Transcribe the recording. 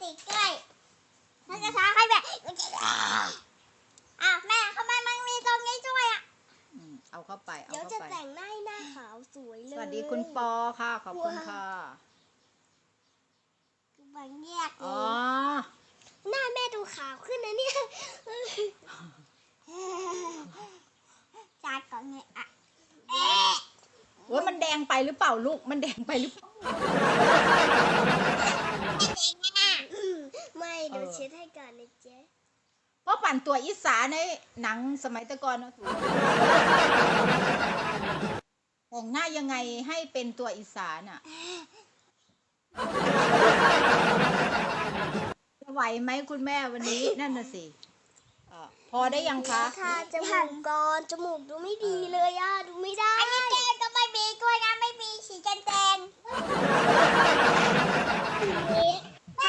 ติดด้วยมันจะช้าให้แม่แม่ทำไมมันมีตรงนี้ด้วยเอาเข้าไปเอาเดี๋ยวเข้าจะไปแต่งหน้าขาวสวยเลยสวัสดีคุณปอค่ะขอบคุณค่ะบางแยกเลอ๋อยหน้าแม่ดูขาวขึ้นนะเนี่ยจากก่อนไงว่ามันแดงไปหรือเปล่าลูกมันแดงไปหรือเปล่าไม่เดี๋ยวเช็ดให้ก่อนนะเจ๊เพราะปั่นตัวอีสานในหนังสมัยตะกอนนะถูกแต่งหน้ายังไงให้เป็นตัวอีสานอ่ะจะไหวไหมคุณแม่วันนี้นั่นน่ะสิพอได้ยังคะค่ะจมูกก่อนจมูกดูไม่ดีเลยดูไม่ได้อันนี้แก้มก็ไม่มีด้วยนะไม่มีสีแดง